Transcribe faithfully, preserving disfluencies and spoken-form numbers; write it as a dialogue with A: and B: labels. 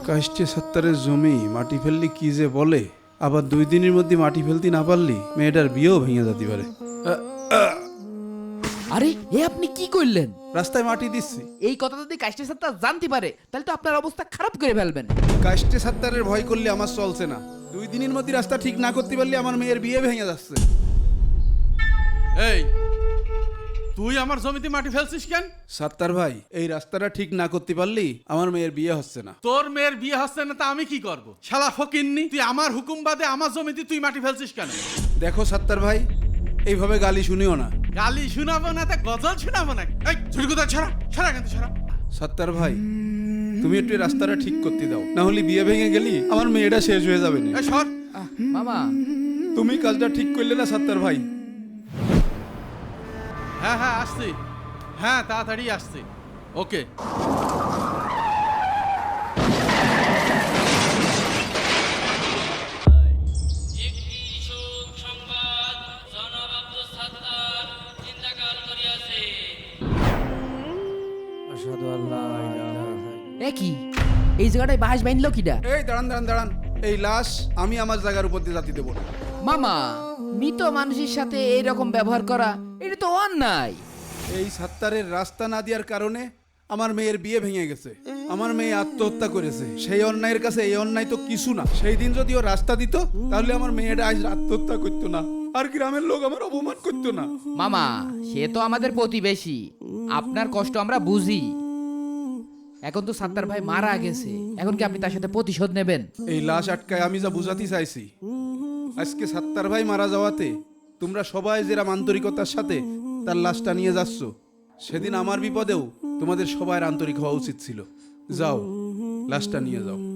A: কাষ্টে সত্তরের জমি মাটি ফেললি কি যে বলে, আবার দুই দিনের মধ্যে মাটি ফেলতে না পারলি মেয়েটার বিয়েও ভেঙে যেতে পারে।
B: আরে এ আপনি কি করলেন?
A: রাস্তায় মাটি দিচ্ছি।
B: এই কথা যদি কাষ্টে সত্তা জানতে পারে তাহলে তো আপনার অবস্থা খারাপ করে ফেলবেন।
A: কাষ্টে সত্তরের ভয় করলে আমার চলছে না। দুই দিনের মধ্যে রাস্তা ঠিক না করতে পারলে আমার মেয়ের বিয়ে ভেঙে যাচ্ছে।
C: এই তুই আমার জমিতে মাটি ফেলছিস কেন?
A: সত্তর ভাই, এই রাস্তাটা ঠিক না করতে পারলি আমার মেয়ের বিয়ে হচ্ছে না।
C: তোর মেয়ের বিয়ে হচ্ছে না তা আমি কি করব? শালা ফকিন্নি, তুই আমার হুকুম বাদে আমার জমিতে তুই মাটি ফেলছিস কেন?
A: দেখো সত্তর ভাই, এইভাবে গালি শুনিও না।
C: গালি শোনাবো না তা গজল শোনাবো না। এই ছুরি কোথায় ছড়া ছড়া কিন্তু ছড়া।
A: সত্তর ভাই, তুমি একটু এই রাস্তাটা ঠিক করতে দাও, না হলে বিয়ে ভেঙে গেলি আমার মেয়েটা শেষ হয়ে যাবে না।
C: এই সর।
B: আহ, মামা
A: তুমি কাজটা ঠিক করলে না সত্তর ভাই?
C: হ্যাঁ হ্যাঁ আসছি, হ্যাঁ তাড়াতাড়ি আসছি। ওকে।
D: একটি শোক সংবাদ জনাব আব্দুল সাত্তার চিন্তাকাল করিয়াছে।
B: এ কি এই জায়গাটায় বাঁশ বাইনলো কিডা?
A: এই দাঁড়ান দাঁড়ান দাঁড়ান, এই লাশ আমি আমার জায়গার উপর দিয়ে জাতি দেবো না।
B: মামা, মৃত মানুষের সাথে এইরকম ব্যবহার করা এটা তো অন্যায়।
A: এই সত্তরের রাস্তা না দেওয়ার কারণে আমার মেয়ের বিয়ে ভেঙে গেছে। আমার মেয়ে আত্মহত্যা করেছে। সেই অন্যায়ের কাছে এই অন্যায় তো কিছু না। সেই দিন যদি ও রাস্তা দিত তাহলে আমার মেয়েটা আজ আত্মহত্যা করতো না, আর গ্রামের লোক আমার অপমান করতো না।
B: মামা, সে তো আমাদের প্রতিবেশী, আপনার কষ্ট আমরা বুঝি। এখন তো সাত্তার ভাই মারা গেছে, এখন কি আপনি তার সাথে প্রতিশোধ নেবেন?
A: এই লাশ আটকায় আমি যা বুঝাতে চাইছি, আজকে সত্তর ভাই মারা যাওয়াতে তোমরা সবাই যেরকম আন্তরিকতার সাথে তার লাশটা নিয়ে যাচ্ছ, সেদিন আমার বিপদেও তোমাদের সবার আন্তরিক হওয়া উচিত ছিল। যাও, লাশটা নিয়ে যাও।